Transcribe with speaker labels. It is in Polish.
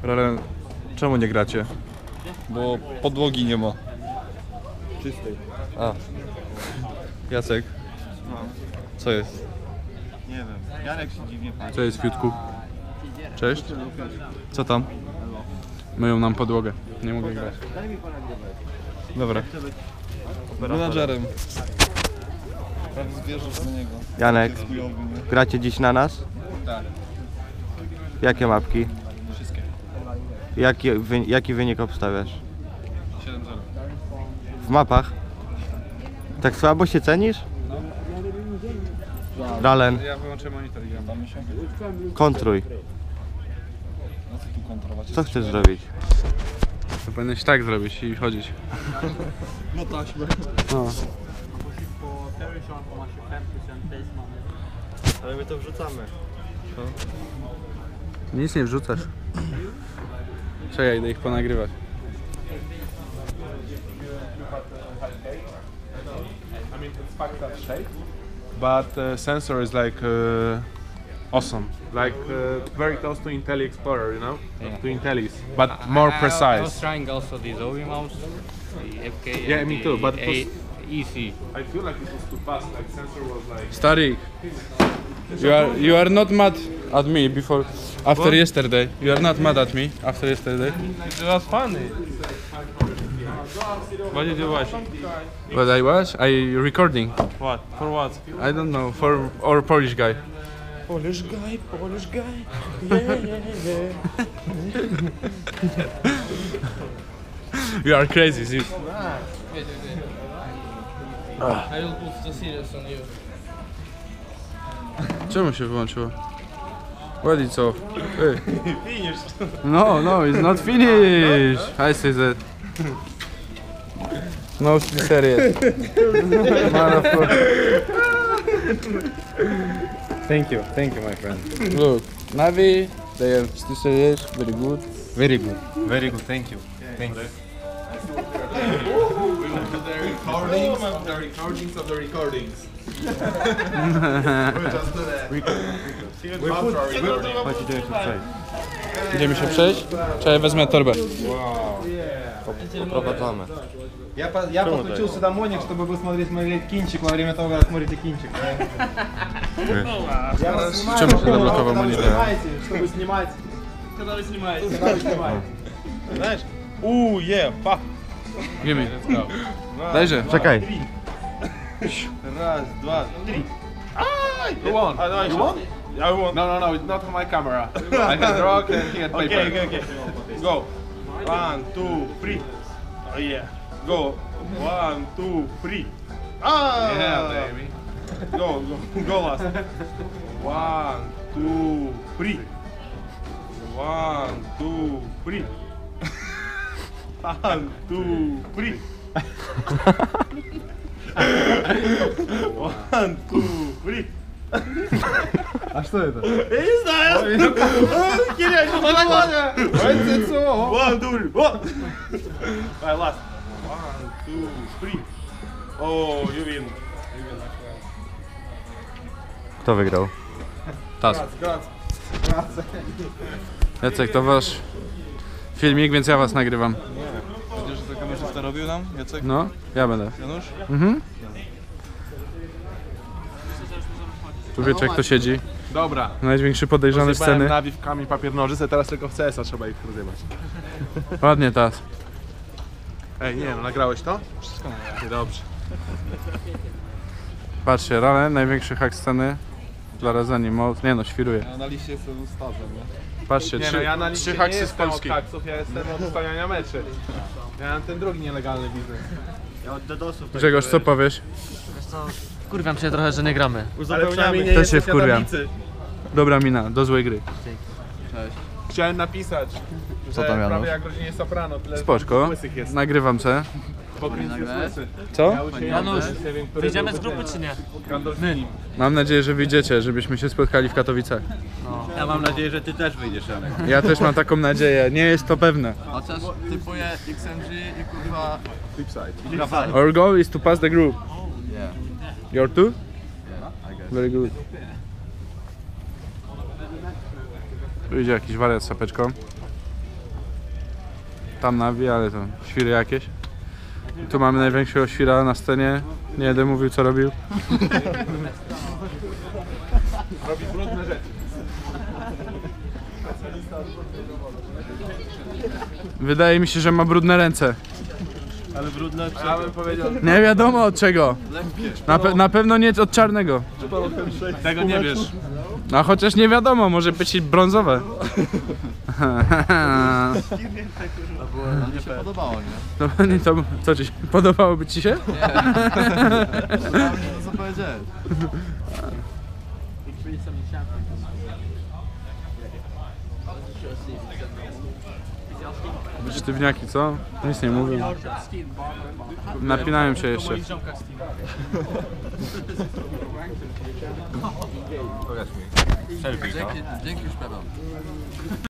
Speaker 1: Ralen, czemu nie gracie?
Speaker 2: Bo podłogi nie ma. Czystej.
Speaker 1: A. Jacek?
Speaker 2: No.
Speaker 1: Co jest?
Speaker 2: Nie wiem. Janek się dziwnie patrzy.
Speaker 1: Co jest, Fiutku? Cześć. Co tam? Myją nam podłogę. Nie mogę grać. Dobra.
Speaker 2: Menadżerem. Prawie zwierzysz do niego.
Speaker 3: Janek,
Speaker 2: Jest chujowy, nie?
Speaker 3: gracie dziś na nas?
Speaker 2: Tak.
Speaker 3: Jakie mapki?
Speaker 2: Wszystkie.
Speaker 3: Jaki wynik obstawiasz?
Speaker 2: 7-0.
Speaker 3: W mapach? Tak słabo się cenisz? Ralen,
Speaker 1: Ja wyłączę monitor i gram.
Speaker 2: Damy się.
Speaker 3: kontruj.
Speaker 2: No co tu kontrolować?
Speaker 3: Co chcesz zrobić?
Speaker 1: To powinieneś tak zrobić i chodzić.
Speaker 2: No taśmę.
Speaker 3: No.
Speaker 2: Ale my to wrzucamy.
Speaker 1: Nic nie wrzucasz. Czekaj, idę ich ponagrywać.
Speaker 4: I mean, it's fucked up shape, but sensor is like awesome, like very close to Intelli Explorer, you know, to Intellis, but more
Speaker 5: I was
Speaker 4: precise.
Speaker 5: trying also the Zowie mouse, the FK.
Speaker 4: Yeah,
Speaker 5: and
Speaker 4: me
Speaker 5: the
Speaker 4: too, but it was-
Speaker 5: EC.
Speaker 4: I feel like it was too fast. Like sensor was like.
Speaker 1: Starik, you are not mad at me before, after yesterday. You are not mad at me after yesterday.
Speaker 4: It was funny. What did you watch?
Speaker 1: But I was recording.
Speaker 4: What? For what?
Speaker 1: I don't know, for our Polish guy.
Speaker 4: Polish guy, Polish guy. Yeah, yeah, yeah.
Speaker 1: You are crazy, sis.
Speaker 5: I will put the serious on you.
Speaker 1: Czemu się wyłączyło? What is off? Hey. No, no, it's not finished. I say that. No, serious.
Speaker 6: Thank you, my friend.
Speaker 1: Look, Navi, they are still serious, very good.
Speaker 6: Very good, very good. Thank you. Thank you.
Speaker 4: The recordings of the recordings.
Speaker 6: Chodź, idziemy się przejść.
Speaker 1: Idziemy się przejść? Czekaj, wezmę torbę.
Speaker 3: Poprowadzamy.
Speaker 6: Я подключился домойник, чтобы вы смотрели кинчик во время того, как смотрите кинчик.
Speaker 1: Czemu się zablokował monitor?
Speaker 6: Снимаете, чтобы снимать.
Speaker 5: Когда вы снимаете?
Speaker 6: Когда вы снимаете.
Speaker 2: Знаешь? Yeah, fuck.
Speaker 1: Give me. Dajże.
Speaker 3: Czekaj.
Speaker 2: Raz, dwa, trzy.
Speaker 4: Who won?
Speaker 2: You won? I won.
Speaker 4: No, it's not on my camera. I had rock and he had paper.
Speaker 2: Okay. Go. 1, 2, 3. Oh yeah. Go. 1, 2, 3. Ah!
Speaker 4: Yeah, baby.
Speaker 2: Go last. 1, 2, 3. 1, 2, 3. 1, 2, 3. 1, 2, 3.
Speaker 6: А что это?
Speaker 2: Я не знаю. Киря, что такое? 1, 2, 3. Давай, last. 1, 2, 3. Oh, you win.
Speaker 3: Kto wygrał?
Speaker 1: Tas. Jacek, to wasz filmik, więc ja was nagrywam.
Speaker 2: Widzisz, że to kamerzysta robił nam, Jacek?
Speaker 1: No, ja będę.
Speaker 2: Janusz?
Speaker 1: Mhm. Tu wiecie, jak to siedzi.
Speaker 4: Dobra.
Speaker 1: Największy podejrzany
Speaker 4: Rozjebałem
Speaker 1: sceny.
Speaker 4: Navi w kamień, papier, nożyce, teraz tylko w CS-a trzeba ich rozjebać.
Speaker 1: Ładnie, Tas.
Speaker 4: Ej, nie no, nagrałeś to? Wszystko nagrałem. Dobrze.
Speaker 1: Patrzcie, Ralen, największy hack sceny. Dla Razani Mode. Nie no, świruje.
Speaker 2: Ja na liście jestem stażem, nie?
Speaker 1: Patrzcie,
Speaker 4: Nie no, ja na
Speaker 1: trzy
Speaker 4: liście nie
Speaker 1: haksy z
Speaker 4: jestem od
Speaker 1: Polski.
Speaker 4: haksów, ja jestem od ustawiania meczy. Ja mam ten drugi nielegalny biznes.
Speaker 1: Grzegorz, co powiesz?
Speaker 5: Kurwiam się trochę, że nie gramy.
Speaker 4: Ale przynajmniej nie
Speaker 1: Też się
Speaker 4: jesteś
Speaker 1: wkurwiam.
Speaker 4: jadownicy.
Speaker 1: Dobra mina, do złej gry.
Speaker 4: Chciałem napisać, że
Speaker 3: tam, Janusz?
Speaker 4: prawie jak w rodzinie Soprano, tyle
Speaker 1: Spoczko,
Speaker 4: łysych jest.
Speaker 1: nagrywam se.
Speaker 4: Pokryć jest łysy.
Speaker 1: Co?
Speaker 5: Janusz, wyjdziemy z grupy czy nie?
Speaker 4: Gandolfini.
Speaker 1: Mam nadzieję, że wyjdziecie, żebyśmy się spotkali w Katowicach.
Speaker 6: Ja mam nadzieję, że ty też wyjdziesz, Janek.
Speaker 1: Ja też mam taką nadzieję, nie jest to pewne.
Speaker 2: Chociaż typuję XMG i kurwa...
Speaker 4: Flipside.
Speaker 1: Our goal is to pass the group.
Speaker 2: Yeah.
Speaker 1: Your too?
Speaker 2: Yeah, I guess.
Speaker 1: Very good. Tu idzie jakiś wariat z sapeczką. tam nawi, ale to świry jakieś. Tu mamy największego świra na scenie. Nie będę mówił co robił.
Speaker 4: Robi brudne rzeczy.
Speaker 1: Wydaje mi się, że ma brudne ręce.
Speaker 2: Ale brudne od
Speaker 4: Ja bym powiedział,
Speaker 1: Nie wiadomo od czego. Na pewno nie od czarnego.
Speaker 4: tego nie wiesz.
Speaker 1: A chociaż nie wiadomo, może być i brązowe.
Speaker 3: Mi się podobało, nie?
Speaker 1: To co ci się podobałoby ci się?
Speaker 3: Podobało mi się to, co powiedziałeś.
Speaker 1: Sztywniaki, co? Nic nie mówią. Napinają się jeszcze.
Speaker 3: Dzięki już